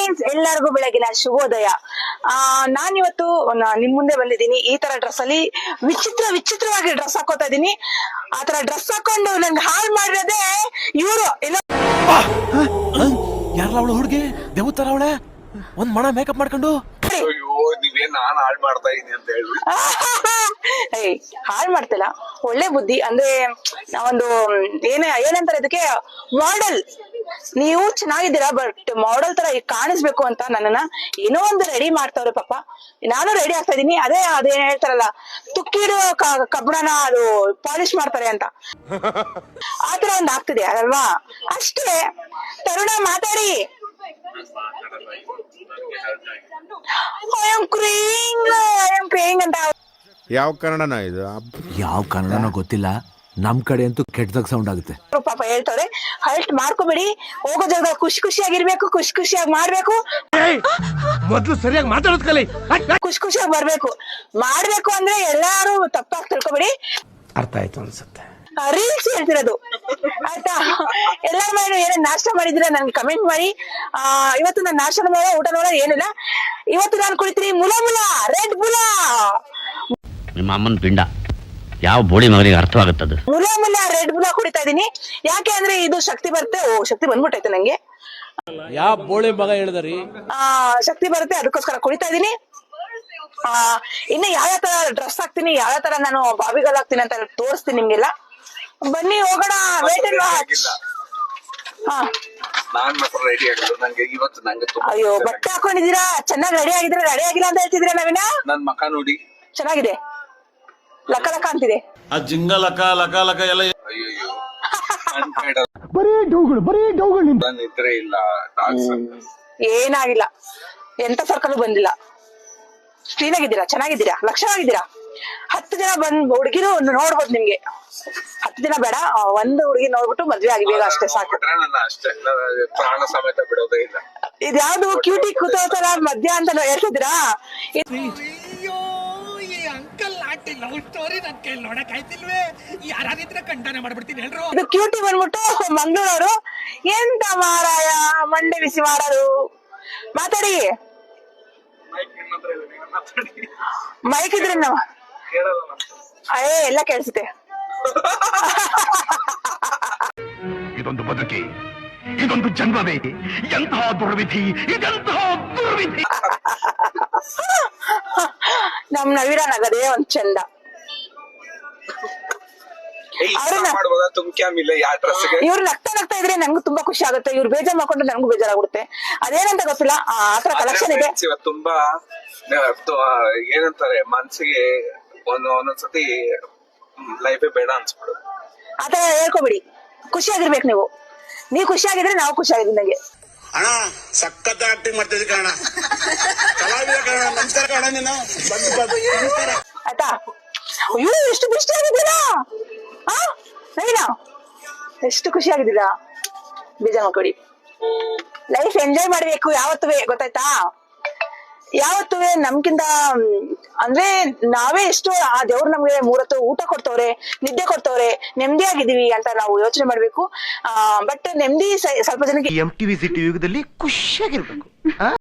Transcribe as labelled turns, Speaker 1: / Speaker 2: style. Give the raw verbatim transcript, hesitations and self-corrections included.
Speaker 1: ಎಲ್ಲರಿಗೂ ಬೆಳಗಿನ ಶುಭೋದಯ. ಆ ನಾನಿವತ್ತು ನಿಮ್ ಮುಂದೆ ಬಂದಿದ್ದೀನಿ. ಈ ತರ ಡ್ರೆಸ್ ಅಲ್ಲಿ ವಿಚಿತ್ರ ವಿಚಿತ್ರವಾಗಿ ಡ್ರೆಸ್ ಹಾಕೋತಾ ಇದೀನಿ. ಆತರ ಡ್ರೆಸ್ ಹಾಕೊಂಡು ನನ್ಗೆ ಹಾಳು ಮಾಡಿರೋದೇ ಇವರು.
Speaker 2: ಯಾರಲ್ಲ ಅವಳು ಹುಡುಗಿ ದೇವತರ ಅವಳೆ ಒಂದ್ ಮಣ ಮೇಕಪ್ ಮಾಡ್ಕೊಂಡು
Speaker 3: ನೀವೇನ್ ನಾನ್ ಹಾಳು ಮಾಡ್ತಾ ಇದೀನಿ ಅಂತ ಹೇಳಿ
Speaker 1: ಏಯ್ ಹಾಳು ಮಾಡ್ತಿಲ್ಲ, ಒಳ್ಳೆ ಬುದ್ಧಿ. ಅಂದ್ರೆ ನಾವೊಂದು ಏನ ಏನಂತಾರೆ ಇದಕ್ಕೆ, ಮಾಡೆಲ್. ನೀವು ಚೆನ್ನಾಗಿದ್ದೀರಾ, ಬಟ್ ಮಾಡೆಲ್ ತರ ಕಾಣಿಸ್ಬೇಕು ಅಂತ ನನ್ನನ್ನ ಏನೋ ಒಂದು ರೆಡಿ ಮಾಡ್ತಾವ್ರೆ ಪಾಪ. ನಾನು ರೆಡಿ ಆಗ್ತಾ ಇದೀನಿ. ಅದೇ ಅದೇನ್ ಹೇಳ್ತಾರಲ್ಲ, ತುಕ್ಕಿಡು ಕಬ್ಬಣನ ಅದು ಪಾಲಿಶ್ ಮಾಡ್ತಾರೆ ಅಂತ, ಆತರ ಒಂದ್ ಆಗ್ತಿದೆ ಅಲ್ವಾ. ಅಷ್ಟೇ. ತರುಣ ಮಾತಾಡಿ. ಅಂತ
Speaker 4: ಯಾವ ಕನ್ನಡನ ಇದು?
Speaker 2: ಯಾವ ಕನ್ನಡನೋ ಗೊತ್ತಿಲ್ಲ, ನಮ್ ಕಡೆ ಅಂತೂ ಕೆಟ್ಟದಾಗ ಸೌಂಡ್ ಆಗುತ್ತೆ.
Speaker 1: ಪಾಪ ಹೇಳ್ತಾರೆ, ಹಲ್ಟ್ ಮಾಡ್ಕೋಬೇಡಿ, ಹೋಗೋ ಜಾಗದಲ್ಲಿ ಖುಷಿ ಖುಷಿಯಾಗಿರ್ಬೇಕು, ಖುಷಿ ಖುಷಿಯಾಗಿ ಮಾಡ್ಬೇಕು.
Speaker 2: ಮೊದ್ಲು ಸರಿಯಾಗಿ ಮಾತಾಡೋದ್ ಕಲಿ,
Speaker 1: ಖುಷಿ ಖುಷಿಯಾಗಿ ಬರ್ಬೇಕು. ಮಾಡ್ಬೇಕು ಅಂದ್ರೆ ಎಲ್ಲಾರು ತಪ್ಪಾಗಿ ತಿಳ್ಕೊಬೇಡಿ.
Speaker 2: ಅರ್ಥ ಆಯ್ತು ಅನ್ಸುತ್ತೆ.
Speaker 1: ರೀಲ್ಸ್ ಹೇಳ್ತಿರೋದು ಆಯ್ತಾ. ಎಲ್ಲಾರ ಮಾಡಿ ಏನೇ ನಾಷ್ಟ ಮಾಡಿದ್ರೆ ನನ್ಗೆ ಕಮೆಂಟ್ ಮಾಡಿ. ಆ ಇವತ್ತು ನಾನು ನಾಷ್ಟ ನೋಡ ಊಟ ನೋಡ ಏನಿಲ್ಲ. ಇವತ್ತು ನಾನು ಕುಡಿತೀನಿ ಮುಲ ಮುಲ ರೆಡ್ ಬುಲ.
Speaker 5: ನಿಮ್ಮ ಅಮ್ಮನ ಪಿಂಡ ಯಾವ ಬೋಳಿ ಮಗನಿಗೆ ಅರ್ಥವಾಗುತ್ತದೆ.
Speaker 1: ಮುಲ ಮುಲ ರೆಡ್ ಬುಲ ಕುಡಿತಾ ಇದೀನಿ. ಯಾಕೆ ಅಂದ್ರೆ ಇದು ಶಕ್ತಿ ಬರುತ್ತೆ. ಓ ಶಕ್ತಿ ಬಂದ್ಬಿಟ್ಟೈತೆ ನಂಗೆ.
Speaker 2: ಯಾವ ಬೋಳಿ ಮಗ ಹೇಳಿದ್ರಿ?
Speaker 1: ಆ ಶಕ್ತಿ ಬರುತ್ತೆ, ಅದಕ್ಕೋಸ್ಕರ ಕುಡಿತಾ ಇದೀನಿ. ಆ ಇನ್ನು ಯಾವ ತರ ಡ್ರೆಸ್ ಹಾಕ್ತೀನಿ, ಯಾವ ತರ ನಾನು ಬಾಬಿಗಲ್ ಹಾಕ್ತೀನಿ ಅಂತ ತೋರಿಸ್ತೀನಿ ನಿಮ್ಗೆಲ್ಲ. ಬನ್ನಿ ಹೋಗೋಣ. Wait and watch. ಹಾ
Speaker 3: ನಾನ್ ಮಾತ್ರ ರೆಡಿ ಆಗಿದ್ದು. ನಂಗೆ ಇವತ್ತು ನಂಗೆ
Speaker 1: ಅಯ್ಯೋ ಬಟ್ಟೆ ಹಾಕೊಂಡಿದೀರಾ, ಚೆನ್ನಾಗಿ ರೆಡಿ ಆಗಿದ್ರೆ ರೆಡಿ ಆಗಿಲ್ಲ ಅಂತ ಹೇಳ್ತಿದ್ರೆ ನವೀನ.
Speaker 3: ನನ್ ಮಕ ನೋಡಿ
Speaker 1: ಚೆನ್ನಾಗಿದೆ, ಲಕ್ಕ ಲಕ್ಕ ಅಂತಿದೆ.
Speaker 6: ಆ ಜಿಂಗ ಲಕ ಲಕ ಲಕ ಎಲ್ಲ
Speaker 3: ಅಯ್ಯೋ ಅನ್ಬೇಡ,
Speaker 2: ಬರೀ ಡೌಗಳು ಬರೀ ಡೌಗಳು.
Speaker 3: ನನ್ ಇದ್ರೆ ಇಲ್ಲ ಡಾಕ್ಸ್ ಅಂತ.
Speaker 1: ಏನಾಗಿಲ್ಲ, ಎಂತ ಸರ್ಕಲ್ ಬಂದಿಲ್ಲ. ಕ್ಲೀನ್ ಆಗಿದ್ದೀರಾ, ಚೆನ್ನಾಗಿದ್ದೀರಾ, ಲಕ್ಷಣವಾಗಿದ್ದೀರಾ. ಹತ್ತು ಜನ ಬಂದ್ ಹುಡುಗಿರು ನೋಡ್ಬೋದು ನಿಮ್ಗೆ. ಹತ್ತು ದಿನ ಬೇಡ, ಒಂದು ಹುಡುಗಿ ನೋಡ್ಬಿಟ್ಟು ಮದ್ವೆ ಆಗಿ ಬೇಗ ಅಷ್ಟೇ ಸಾಕು.
Speaker 3: ನನ್ನ ಅಷ್ಟೇ, ಪ್ರಾಣ ಸಮೇತ ಬಿಡೋದೇ ಇಲ್ಲ.
Speaker 1: ಇದ್ಯಾವ್ದು ಕ್ಯೂಟಿ ಕೂತೋತರ ಮಧ್ಯ ಅಂತ ಹೇಳ್ತಿದ್ದೀರಾ? ಇದು ಕ್ಯೂಟಿ ಬಂದ್ಬಿಟ್ಟು ಮಂಗಳೂರು. ಎಂತ ಮಾರಾಯ ಮಂಡೆ ಬಿಸಿ ಮಾಡೋದು. ಮಾತಾಡಿ, ಮೈಕ್ ಇದ್ರೆ ನಾವು ಅಯ್ಯೇ ಎಲ್ಲ ಕೇಳಿಸುತ್ತೆ.
Speaker 7: ಇದೊಂದು ಬದುಕಿ, ಇದೊಂದು ಜನ್ಮವೇ, ಎಂತಹ ದುರ್ವಿಧಿ, ಇದೆಂತಹ ದುರ್ವಿಧಿ.
Speaker 1: ನಮ್ ನವೀರ ನಗದೇ ಒಂದ್ ಚಂದ. ಇವ್ರು ನಗ್ತಾ ನಗ್ತಾ ಇದ್ರೆ ನಂಗೂ ತುಂಬಾ ಖುಷಿ ಆಗುತ್ತೆ. ಇವ್ರು ಬೇಜಾರ್ ಮಾಡ್ಕೊಂಡ್ರೆ ನಂಗೂ ಬೇಜಾರಾಗುತ್ತೆ. ಅದೇನಂತ ಗೊತ್ತಿಲ್ಲ, ಆತರ ಕಲೆಕ್ಷನ್ ಇದೆ
Speaker 3: ತುಂಬಾ. ಏನಂತಾರೆ, ಮನ್ಸಿಗೆ ಒಂದ್ ಒಂದೊಂದ್ಸತಿ ಲೈಫೇ ಬೇಡ ಅನ್ಸ್ಬಿಡು.
Speaker 1: ಆತರ ಹೇಳ್ಕೊಬಿಡಿ. ಖುಷಿಯಾಗಿರ್ಬೇಕು ನೀವು. ನೀವು ಖುಷಿಯಾಗಿದ್ರೆ ನಾವು ಖುಷಿಯಾಗಿದ್ದೀವಿ. ನಂಗೆ
Speaker 8: ಅಣ್ಣ ಸಖತ್ ಆಕ್ಟಿಂಗ್ ಮಾಡ್ತಿದ್ವಿ ಕಣ, ಕಲಾವಿದ ಕಣ. ನಮಸ್ಕಾರ ಕಣ, ನೀನು
Speaker 1: ಆಯ್ತಾ? ಅಯ್ಯೋ ಎಷ್ಟು ಖುಷಿಯಾಗಿದ್ದೀರಾ ಆ ನವೀನ, ಎಷ್ಟು ಖುಷಿಯಾಗಿದ್ದೀರಾ. ಬೇಜಾರ್ ಮಾಡ್ಕೊಡಿ. ಲೈಫ್ ಎಂಜಾಯ್ ಮಾಡ್ಬೇಕು ಯಾವತ್ತೂ, ಗೊತ್ತಾಯ್ತಾ? ಯಾವತ್ತೂ ನಮ್ಗಿಂತ ಅಂದ್ರೆ ನಾವೇ ಎಷ್ಟು ಆ ದೇವ್ರು ನಮ್ಗೆ ಮೂರತ್ತು ಊಟ ಕೊಡ್ತವ್ರೆ, ನಿದ್ದೆ ಕೊಡ್ತವ್ರೆ, ನೆಮ್ಮದಿಯಾಗಿದ್ದೀವಿ ಅಂತ ನಾವು ಯೋಚನೆ ಮಾಡ್ಬೇಕು. ಆ ಬಟ್ ನೆಮ್ಮದಿ ಸ್ವಲ್ಪ ಜನಕ್ಕೆ
Speaker 7: ಎಂ ಟಿವಿ ಸಿಟಿ ಯುಗದಲ್ಲಿ ಖುಷಿಯಾಗಿರ್ಬೇಕು.